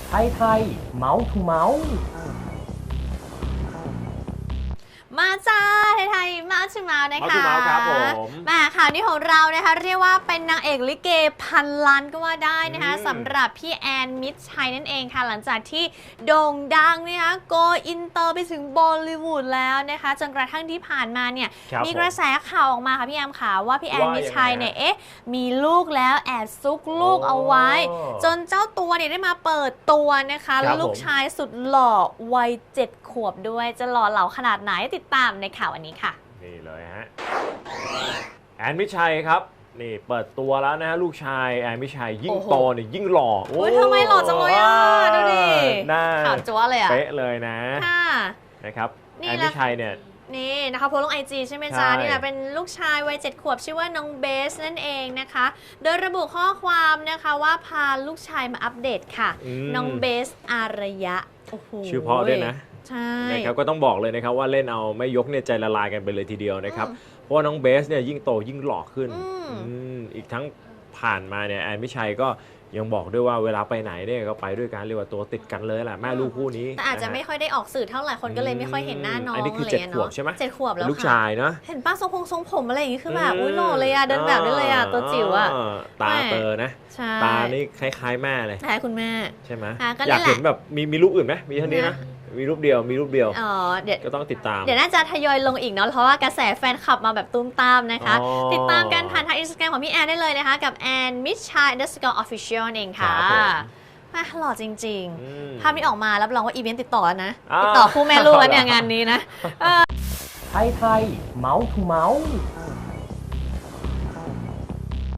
ไทยเมาส์ทูเมาส์มาจ้าไทยมาชิมานะคะมาครับผมมาข่าวนี้ของเรานะคะเรียกว่าเป็นนางเอกลิเกพันล้านก็ว่าได้นะคะสำหรับพี่แอนมิตรชัยนั่นเองค่ะหลังจากที่โด่งดังนะคะโกอินเตอร์ไปถึงบอลลิวูดแล้วนะคะจนกระทั่งที่ผ่านมาเนี่ยมีกระแสข่าวออกมาค่ะพี่แอมค่ะว่าพี่แอนมิตรชัยเนี่ยมีลูกแล้วแอบซุกลูกเอาไว้จนเจ้าตัวเนี่ยได้มาเปิดตัวนะคะแล้วลูกชายสุดหล่อวัย7 ขวบด้วยจะหล่อเหลาขนาดไหนติดตามในข่าววันนี้ค่ะนี่เลยฮะแอนมิชัยครับนี่เปิดตัวแล้วนะฮะลูกชายแอนมิชัยยิ่งโตเนี่ยยิ่งหล่อโอ้ยทำไมหล่อจังเลยอ่ะดูดิหน้าขาวจั๊วเลยอ่ะเป๊ะเลยนะนะครับแอนมิชัยเนี่ยนี่นะคะโพสต์ลง IG ใช่ไหมจ๊ะนี่แหละเป็นลูกชายวัย7 ขวบชื่อว่าน้องเบสนั่นเองนะคะโดยระบุข้อความนะคะว่าพาลูกชายมาอัปเดตค่ะน้องเบสอารยะชื่อพ่อด้วยนะใช่นะครับก็ต้องบอกเลยนะครับว่าเล่นเอาไม่ยกเนี่ยใจละลายกันไปเลยทีเดียวนะครับเพราะว่าน้องเบสเนี่ยยิ่งโตยิ่งหล่อขึ้นอีกทั้งผ่านมาเนี่ยแอนมิชัยก็ยังบอกด้วยว่าเวลาไปไหนเนี่ยก็ไปด้วยกันเรียกว่าตัวติดกันเลยแหละแม่ลูกคู่นี้แต่อาจจะไม่ค่อยได้ออกสื่อเท่าไหร่คนก็เลยไม่ค่อยเห็นหน้าน้องอันนี้คือ7 ขวบใช่ไหม 7 ขวบแล้วลูกชายนะเห็นป้าทรงผมอะไรอย่างงี้คือแบบอุ้ยหล่อเลยอ่ะเดินแบบได้เลยอ่ะตัวจิ๋วอ่ะตาเตอนะตานี่คล้ายๆแม่เลยคล้ายคุณแม่ใช่ไหมอยากเห็นแบบมีรูปอื่นไหมมีเท่านี้นะมีรูปเดียวเดี๋ยวก็ต้องติดตามเดี๋ยวน่าจะทยอยลงอีกเนาะเพราะว่ากระแสแฟนคลับมาแบบตุ้มตามนะคะติดตามกันผ่านทาง Instagram ของพี่แอนได้เลยนะคะกับแอนมิชชัย_official เองค่ะหล่อจริงๆภาพนี้ออกมารับรองว่าอีเวนต์ติดต่อแล้วนะติดต่อคู่แม่ลูกแล้วเนี่ยงานนี้นะไทยเมาส์ทูเมาส์